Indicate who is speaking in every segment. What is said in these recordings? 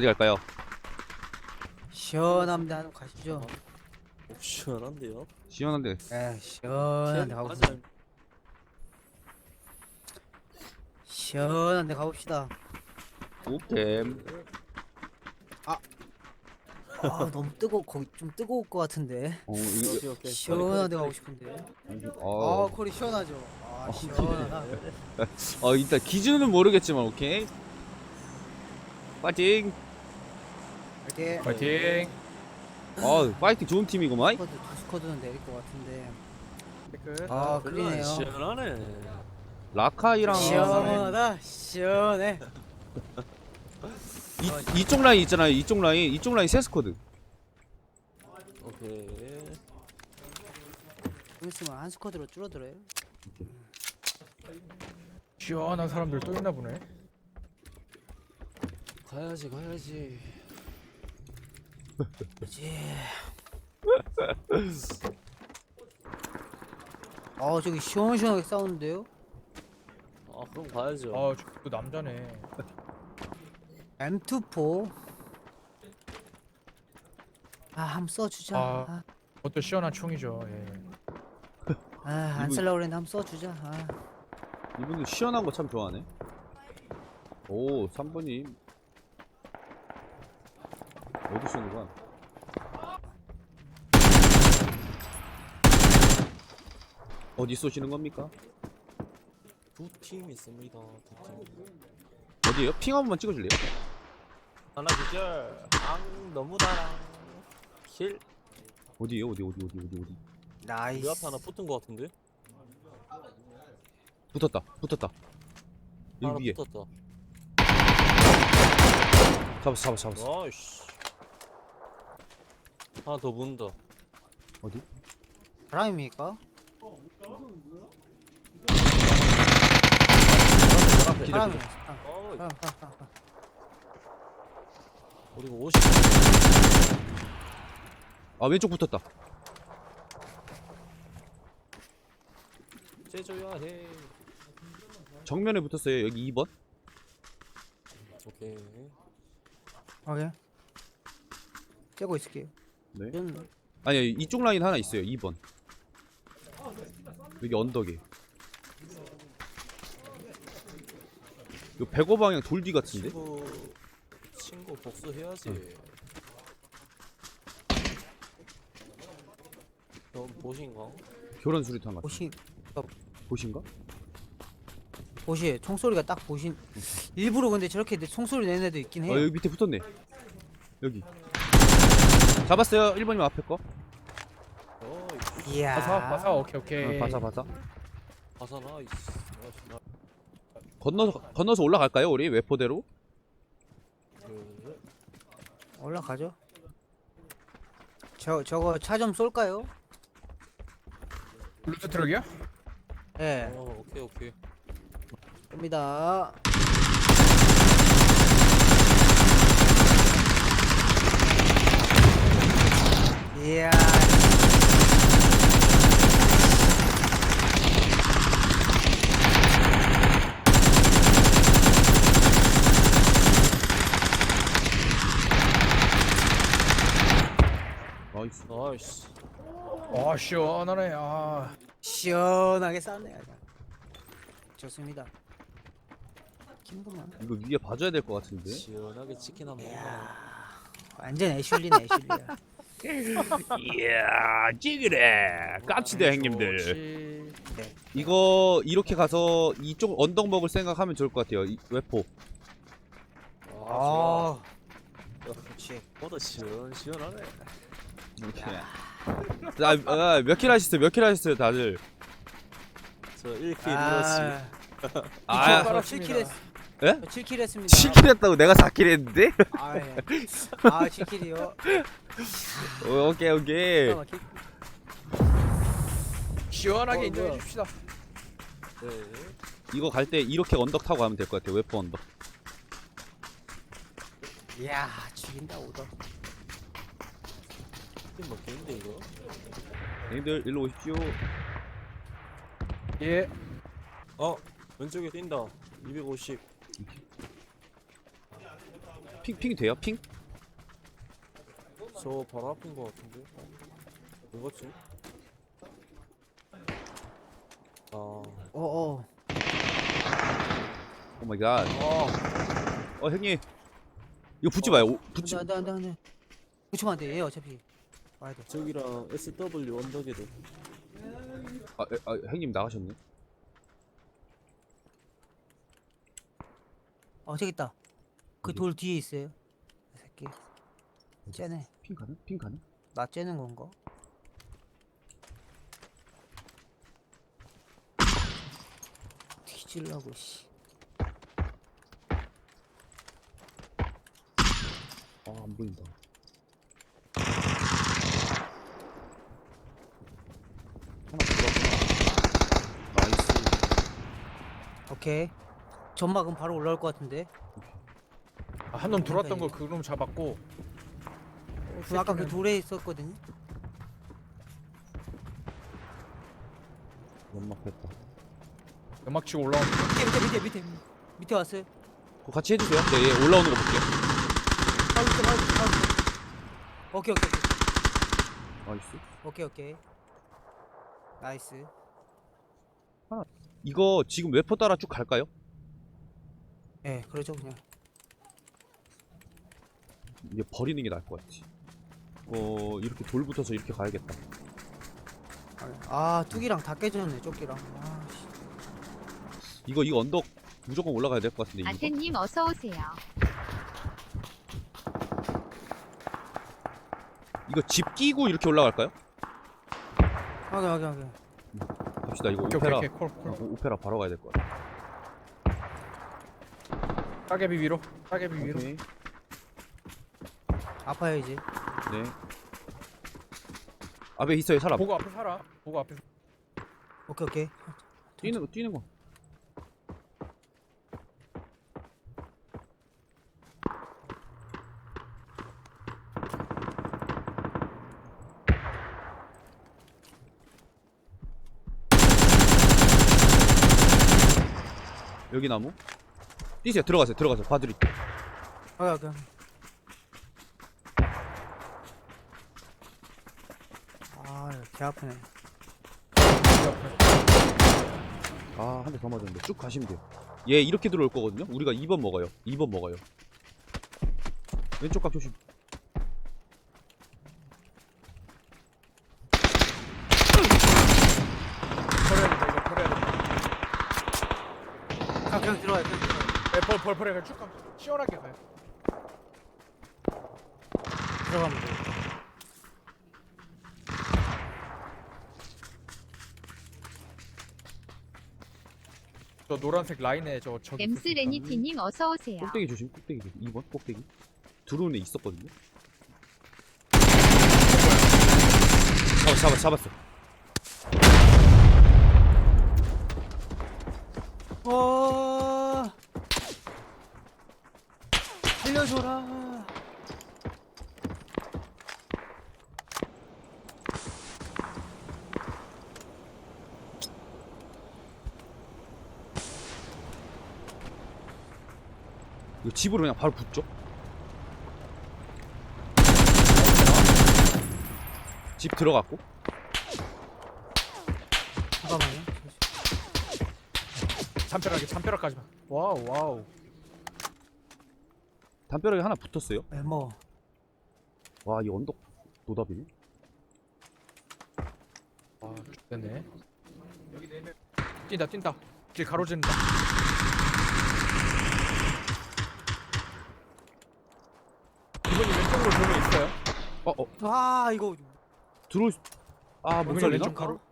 Speaker 1: 어디 갈까요?
Speaker 2: 시원합니다. 한번 가시죠.
Speaker 3: 시원한데요?
Speaker 1: 시원한데.
Speaker 2: 에 시원한데
Speaker 3: 맞아요.
Speaker 2: 가봅시다. 시원한데 가봅시다.
Speaker 1: 오템.
Speaker 2: 아 너무 뜨거 거기 좀 뜨거울 것 같은데.
Speaker 3: 오케이 오케이.
Speaker 2: 시원한데 가고 싶은데. 아 거리 시원하죠. 아 시원하다.
Speaker 1: 일단 기준은 모르겠지만 오케이. 파이팅.
Speaker 2: 이렇게
Speaker 4: 파이팅.
Speaker 1: 파이팅 좋은 팀이구만.
Speaker 2: 스쿼드 두 스쿼드는 내릴 것 같은데.
Speaker 4: 끝.
Speaker 2: 아 그러네요.
Speaker 3: 시원하네.
Speaker 1: 라카이랑
Speaker 2: 시원하다. 시원해.
Speaker 1: 이쪽 라인 있잖아요. 이쪽 라인 세 스쿼드.
Speaker 3: 오케이.
Speaker 2: 좀 있으면 한 스쿼드로 줄어들어요.
Speaker 4: 시원한 사람들 또 있나 보네.
Speaker 3: 가야지 가야지.
Speaker 2: 그렇지. 저기 시원시원하게 싸우는데요?
Speaker 3: 아 그럼 가야죠.
Speaker 4: 아, 저 남자네.
Speaker 2: M24. 한번 써주자.
Speaker 4: 아. 그것도 시원한 총이죠. 예.
Speaker 2: 안
Speaker 1: 이분-
Speaker 2: 쓸려고 그랬는데 한번 써주자.
Speaker 1: 이분도 시원한 거 참 좋아하네. 오 3번님 어디 쏘는 거야? 어디 쏘시는 겁니까?
Speaker 3: 두 팀 있습니다. 두 팀.
Speaker 1: 어디에요? 핑 한 번만 찍어줄래요?
Speaker 3: 하나 기절. 너무 달아. 킬.
Speaker 1: 어디에요? 어디?
Speaker 2: 나이스.
Speaker 3: 우리 앞에 하나 붙은 거 같은데?
Speaker 1: 붙었다.
Speaker 3: 하나
Speaker 1: 여기 위에.
Speaker 3: 붙었다.
Speaker 1: 잡았어.
Speaker 3: 나이스. 하나 더 붙는다.
Speaker 1: 어디?
Speaker 2: 사람입니까?
Speaker 1: 기다려.
Speaker 2: 사람이야.
Speaker 3: 어이.
Speaker 2: 사람.
Speaker 3: 그리고 50.
Speaker 1: 왼쪽 붙었다.
Speaker 3: 째줘야 해.
Speaker 1: 정면에 붙었어요. 여기 2번.
Speaker 3: 오케이.
Speaker 2: 오케이. 째고 있을게요.
Speaker 1: 네.
Speaker 2: 좀
Speaker 1: 아니 이쪽 라인 하나 있어요. 2번. 여기 언덕에. 요 105 방향 돌 뒤 같은데?
Speaker 3: 친구 복수해야지. 너 보신가?
Speaker 1: 교란 수리탄 같은. 보신가?
Speaker 2: 보시 총소리가 딱 보신. 일부러 근데 저렇게 총소리 내는 애도 있긴 해요.
Speaker 1: 여기 밑에 붙었네. 여기. 잡았어요. 1번님 앞에 거.
Speaker 3: 어이.
Speaker 2: 이야.
Speaker 4: 바사. 오케이.
Speaker 1: 바사.
Speaker 3: 바사 나이스.
Speaker 1: 건너서 올라갈까요? 우리 외포대로?
Speaker 3: 그,
Speaker 2: 올라가죠. 저거 차 좀 쏠까요?
Speaker 4: 루트 트럭이야?
Speaker 2: 예.
Speaker 3: 오케이.
Speaker 2: 쏩니다. 이야.
Speaker 1: 나이스.
Speaker 3: 나이스.
Speaker 4: 아, 시원하네. 아.
Speaker 2: 시원하게 쌌네. 좋습니다. 김구만.
Speaker 1: 이거 위에 봐줘야 될 것 같은데.
Speaker 3: 시원하게 치킨 한번 먹어.
Speaker 2: 완전 애슐리네 애슐리야.
Speaker 1: 이야 찌그래. 깝치다 형님들.
Speaker 3: 좋지.
Speaker 1: 이거 이렇게 가서 이쪽 언덕 먹을 생각하면 좋을 것 같아요. 외포.
Speaker 3: 좋아.
Speaker 2: 그렇지.
Speaker 3: 보다 시원하네.
Speaker 1: 이렇게. 몇 킬 하셨어요 다들?
Speaker 3: 저 1킬 이렇지.
Speaker 1: 아,
Speaker 2: 저 7킬 했.
Speaker 1: 예?
Speaker 2: 7킬 했습니다.
Speaker 1: 7킬 했다고 내가 4킬 했는데?
Speaker 2: 아, 예. 7킬이요.
Speaker 1: 오케이.
Speaker 4: 시원하게 인정해
Speaker 2: 뭐야.
Speaker 4: 줍시다.
Speaker 3: 네.
Speaker 1: 이거 갈 때 이렇게 언덕 타고 가면 될 것 같아요. 외포 언덕.
Speaker 2: 이야, 죽인다 오더.
Speaker 3: 팀 먹겠는데 이거?
Speaker 1: 형님들 일로 오십시오.
Speaker 4: 예.
Speaker 3: 왼쪽에 뛴다. 250.
Speaker 1: 핑이 돼요? 핑?
Speaker 3: 저 바로 앞인 거 같은데. 뭐였지? 아,
Speaker 2: 어어.
Speaker 1: 오 마이 갓. 형님. 이거 붙지 마요. 붙지.
Speaker 2: 안돼. 붙이면 안돼. 얘 어차피 와야 돼.
Speaker 3: 저기랑 SW 언덕에도.
Speaker 1: 형님 나가셨네.
Speaker 2: 저기 있다. 그 돌 뒤에 있어요. 이 새끼. 쟤네.
Speaker 1: 핑 가능? 핑 가능?
Speaker 2: 나 째는 건가? 뒤질라고 씨.
Speaker 1: 안 보인다. 하나 들어왔구나. 나이스.
Speaker 2: 오케이. 점막은 바로 올라올 것 같은데.
Speaker 4: 한 놈 들어왔던 거 그 놈 잡았고.
Speaker 2: 아까 그 돌에 있었거든요.
Speaker 1: 연막 했다.
Speaker 4: 연막 치고 올라오는
Speaker 2: 밑에 왔어요.
Speaker 1: 그거 같이 해주세요. 네, 얘 올라오는 거 볼게요.
Speaker 2: 바로. 오케이.
Speaker 1: 나이스.
Speaker 2: 오케이. 나이스.
Speaker 1: 이거 지금 웨퍼 따라 쭉 갈까요?
Speaker 2: 예, 그러죠 그냥.
Speaker 1: 이게 버리는 게 나을 것 같지. 이렇게 돌 붙어서 이렇게 가야겠다.
Speaker 2: 뚝이랑 다 깨졌네, 조끼랑. 씨.
Speaker 1: 이거 언덕 무조건 올라가야 될 것 같은데. 이거.
Speaker 5: 아테님 어서 오세요.
Speaker 1: 이거 집 끼고 이렇게 올라갈까요?
Speaker 2: 하게.
Speaker 1: 갑시다. 이거
Speaker 4: 오케이,
Speaker 1: 오페라.
Speaker 4: 오케이, 콜.
Speaker 1: 오페라 바로 가야 될 것 같아.
Speaker 4: 따개비 위로.
Speaker 1: 오케이.
Speaker 2: 아파요 이제.
Speaker 1: 네. 앞에 있어요 사람.
Speaker 4: 보고 앞에 살아. 보고 앞에.
Speaker 2: 오케이.
Speaker 1: 뛰는 거. 여기 나무. 뛰세요. 들어가세요. 바드리.
Speaker 2: 하게. 개 아프네.
Speaker 1: 한 대 더 맞았는데 쭉 가시면 돼요. 얘 이렇게 들어올 거거든요. 우리가 2번 먹어요. 왼쪽 각 조심.
Speaker 4: 버려야 된다.
Speaker 2: 그냥 들어와요.
Speaker 4: 버려. 그냥 쭉 가. 시원하게 가요.
Speaker 2: 들어가면 돼.
Speaker 4: 저 노란색 라인에 저기.
Speaker 5: 엠스 레니티님 어서 오세요.
Speaker 1: 꼭대기 조심. 2번 꼭대기. 들어오는 애 있었거든요. 잡았어.
Speaker 2: 살려줘라.
Speaker 1: 이거 집으로 그냥 바로 붙죠. 집 들어갔고.
Speaker 2: 잠깐만요.
Speaker 4: 담벼락까지만. 와우.
Speaker 1: 담벼락에 하나 붙었어요.
Speaker 2: 뭐.
Speaker 1: 와, 이 언덕 노답이네.
Speaker 4: 됐네. 뛴다. 길 가로지른다. 이번이 왼쪽으로 돌면 있어요.
Speaker 2: 이거.
Speaker 1: 들어올 수... 못
Speaker 4: 이번이
Speaker 1: 살리나?
Speaker 4: 왼쪽 가로.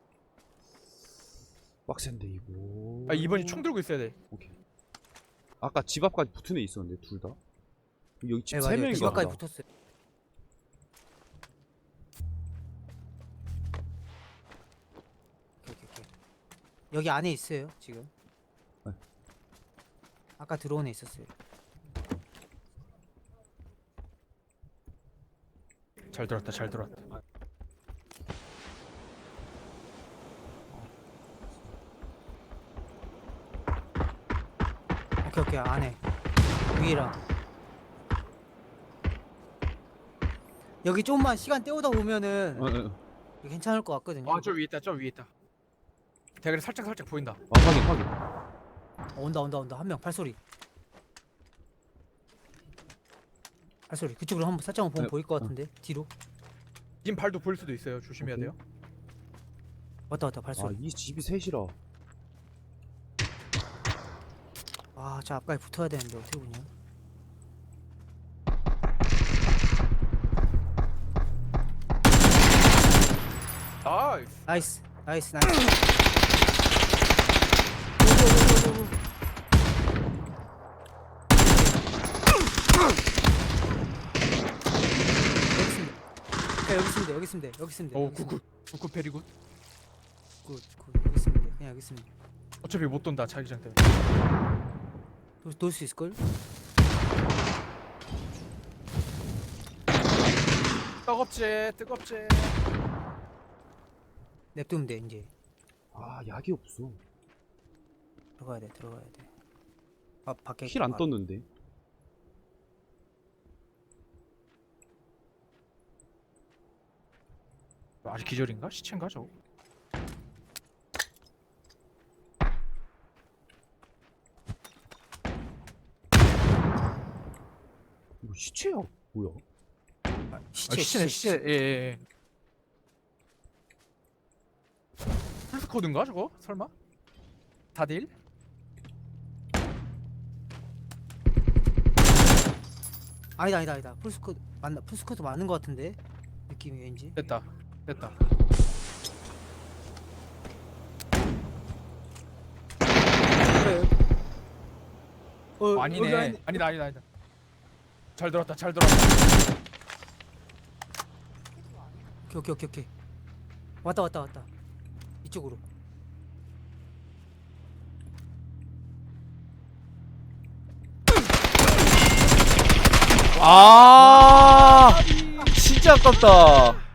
Speaker 1: 빡센데 이거.
Speaker 4: 2번이 총 들고 있어야 돼.
Speaker 1: 오케이. 아까 집 앞까지 붙은 애 있었는데 둘 다. 여기 집
Speaker 2: 네,
Speaker 1: 세
Speaker 2: 맞아요.
Speaker 1: 명인가
Speaker 2: 집 앞까지
Speaker 1: 보다.
Speaker 2: 붙었어요. 오케이. 여기 안에 있어요 지금.
Speaker 1: 네.
Speaker 2: 아까 들어온 애 있었어요.
Speaker 4: 잘 들었다.
Speaker 2: 오케이 안에 위랑. 여기 좀만 시간 때우다 보면은
Speaker 1: 어.
Speaker 2: 괜찮을 것 같거든요.
Speaker 4: 아 저 위에 있다 저 위에 있다. 대가리 살짝 보인다.
Speaker 1: 아 확인.
Speaker 2: 온다. 한 명 발소리. 발소리. 그쪽으로 한번 살짝만 보면
Speaker 1: 네.
Speaker 2: 보일 것 같은데. 뒤로.
Speaker 4: 님 발도 보일 수도 있어요. 조심해야 돼요.
Speaker 2: 왔다 발소리.
Speaker 1: 아이 집이 셋이라.
Speaker 2: 아, 저 앞까지 붙어야 되는데 어떻게 보냐.
Speaker 4: 나이스.
Speaker 2: 나이스. 여기 있으면 돼.
Speaker 4: 오 굿. 베리굿.
Speaker 2: 굿. 여기 있으면 돼. 그냥 여기 있으면 돼.
Speaker 4: 어차피 못 돈다 자기장 때문에.
Speaker 2: 돌 수 있을걸?
Speaker 4: 뜨겁지.
Speaker 2: 냅두면 돼 이제.
Speaker 1: 아 약이 없어.
Speaker 2: 들어가야 돼. 밖에
Speaker 1: 킬 안
Speaker 2: 아,
Speaker 1: 떴는데.
Speaker 4: 아직 기절인가? 시체인가 저거?
Speaker 1: 이거 시체야 뭐야?
Speaker 4: 시체. 예. 풀스코드인가 저거? 설마? 다딜?
Speaker 2: 아니다. 풀스쿼드 맞는 것 같은데 느낌이 왠지.
Speaker 4: 됐다. 아니네. 아니다. 잘 들었다.
Speaker 2: 오케이. 왔다. 이쪽으로.
Speaker 1: 아 진짜 아깝다.